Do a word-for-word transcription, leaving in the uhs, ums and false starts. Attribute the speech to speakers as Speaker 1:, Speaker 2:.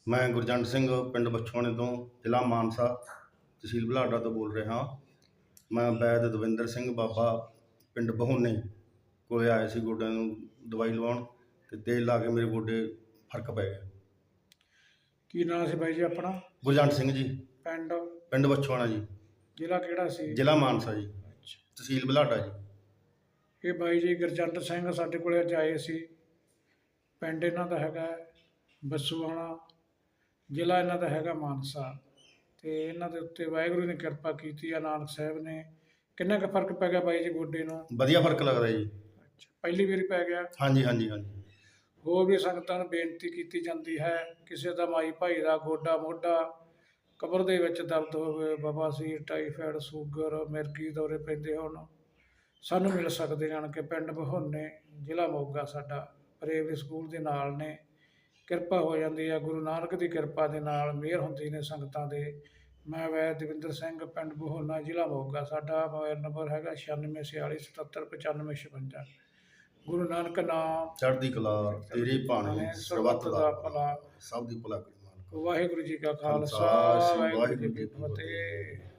Speaker 1: ਮੈਂ ਗੁਰਜੰਟ ਸਿੰਘ ਪਿੰਡ ਬਛੋਆਣੇ ਤੋਂ ਜ਼ਿਲ੍ਹਾ ਮਾਨਸਾ ਤਹਿਸੀਲ ਬੁਢਲਾਡਾ ਤੋਂ ਬੋਲ ਰਿਹਾ ਹਾਂ। ਮੈਂ ਵੈਦ ਦਵਿੰਦਰ ਸਿੰਘ ਬਾਬਾ ਪਿੰਡ ਬਹੋਨੇ ਕੋਲ ਆਇਆ ਸੀ ਗੋਡਿਆਂ ਨੂੰ ਦਵਾਈ ਲਵਾਉਣ ਅਤੇ ਤੇਲ ਲਾ ਕੇ ਮੇਰੇ ਗੋਡੇ ਫਰਕ ਪੈ ਗਿਆ।
Speaker 2: ਕੀ ਨਾਂ ਸੀ ਬਾਈ ਜੀ ਆਪਣਾ?
Speaker 1: ਗੁਰਜੰਟ ਸਿੰਘ ਜੀ।
Speaker 2: ਪਿੰਡ?
Speaker 1: ਪਿੰਡ ਬਛੋਆਣਾ ਜੀ।
Speaker 2: ਜ਼ਿਲ੍ਹਾ ਕਿਹੜਾ ਸੀ?
Speaker 1: ਜ਼ਿਲ੍ਹਾ ਮਾਨਸਾ ਜੀ।
Speaker 2: ਅੱਛਾ।
Speaker 1: ਤਹਿਸੀਲ ਬੁਢਲਾਡਾ ਜੀ।
Speaker 2: ਇਹ ਬਾਈ ਜੀ ਗੁਰਜੰਟ ਸਿੰਘ ਸਾਡੇ ਕੋਲ ਅੱਜ ਆਏ ਸੀ। ਪਿੰਡ ਇਹਨਾਂ ਦਾ ਹੈਗਾ ਬਛੋਆਣਾ, ਜ਼ਿਲ੍ਹਾ ਇਹਨਾਂ ਦਾ ਹੈਗਾ ਮਾਨਸਾ, ਅਤੇ ਇਹਨਾਂ ਦੇ ਉੱਤੇ ਵਾਹਿਗੁਰੂ ਨੇ ਕਿਰਪਾ ਕੀਤੀ ਆ, ਨਾਨਕ ਸਾਹਿਬ ਨੇ। ਕਿੰਨਾ ਕੁ ਫਰਕ ਪੈ ਗਿਆ ਬਾਈ ਜੀ ਗੋਡੇ ਨੂੰ?
Speaker 1: ਵਧੀਆ ਫਰਕ ਲੱਗਦਾ ਜੀ।
Speaker 2: ਅੱਛਾ, ਪਹਿਲੀ ਵਾਰੀ ਪੈ ਗਿਆ?
Speaker 1: ਹਾਂਜੀ ਹਾਂਜੀ ਹਾਂਜੀ।
Speaker 2: ਹੋਰ ਵੀ ਸੰਗਤਾਂ ਨੂੰ ਬੇਨਤੀ ਕੀਤੀ ਜਾਂਦੀ ਹੈ, ਕਿਸੇ ਦਾ ਮਾਈ ਭਾਈ ਦਾ ਗੋਡਾ ਮੋਢਾ ਕਬਰ ਦੇ ਵਿੱਚ ਦਰਦ ਹੋਵੇ, ਬਵਾਸੀਰ, ਟਾਈਫਾਇਡ, ਸ਼ੂਗਰ, ਮਿਰਗੀ ਦੌਰੇ ਪੈਂਦੇ ਹੋਣ, ਸਾਨੂੰ ਮਿਲ ਸਕਦੇ ਜਾਣ ਕੇ ਪਿੰਡ ਬਹੋਨੇ, ਜ਼ਿਲ੍ਹਾ ਮੋਗਾ। ਸਾਡਾ ਪ੍ਰਾਇਮਰੀ ਸਕੂਲ ਦੇ ਨਾਲ ਨੇ। ਕਿਰਪਾ ਹੋ ਜਾਂਦੀ ਆ ਗੁਰੂ ਨਾਨਕ ਦੀ ਕਿਰਪਾ ਦੇ ਨਾਲ, ਮਿਹਰ ਹੁੰਦੀ ਨੇ ਸੰਗਤਾਂ ਦੇ। ਮੈਂ ਵੈਦ ਦਵਿੰਦਰ ਸਿੰਘ, ਪਿੰਡ ਬਹੋਨਾ, ਜ਼ਿਲ੍ਹਾ ਮੋਗਾ। ਸਾਡਾ ਮੋਬਾਈਲ ਨੰਬਰ ਹੈਗਾ ਛਿਆਨਵੇਂ ਛਿਆਲੀ ਸਤੱਤਰ ਪਚਾਨਵੇਂ ਛਪੰਜਾ। ਗੁਰੂ ਨਾਨਕ ਨਾਮ
Speaker 1: ਚੜ੍ਹਦੀ ਕਲਾ ਤੇਰੀ ਬਾਣੀ ਸਰਬੱਤ ਦਾ ਭਲਾ, ਸਭ ਦੀ ਭਲਾ ਕਰੀ।
Speaker 2: ਵਾਹਿਗੁਰੂ ਜੀ ਕਾ ਖਾਲਸਾ, ਵਾਹਿਗੁਰੂ ਜੀ ਕੀ ਫਤਿਹ।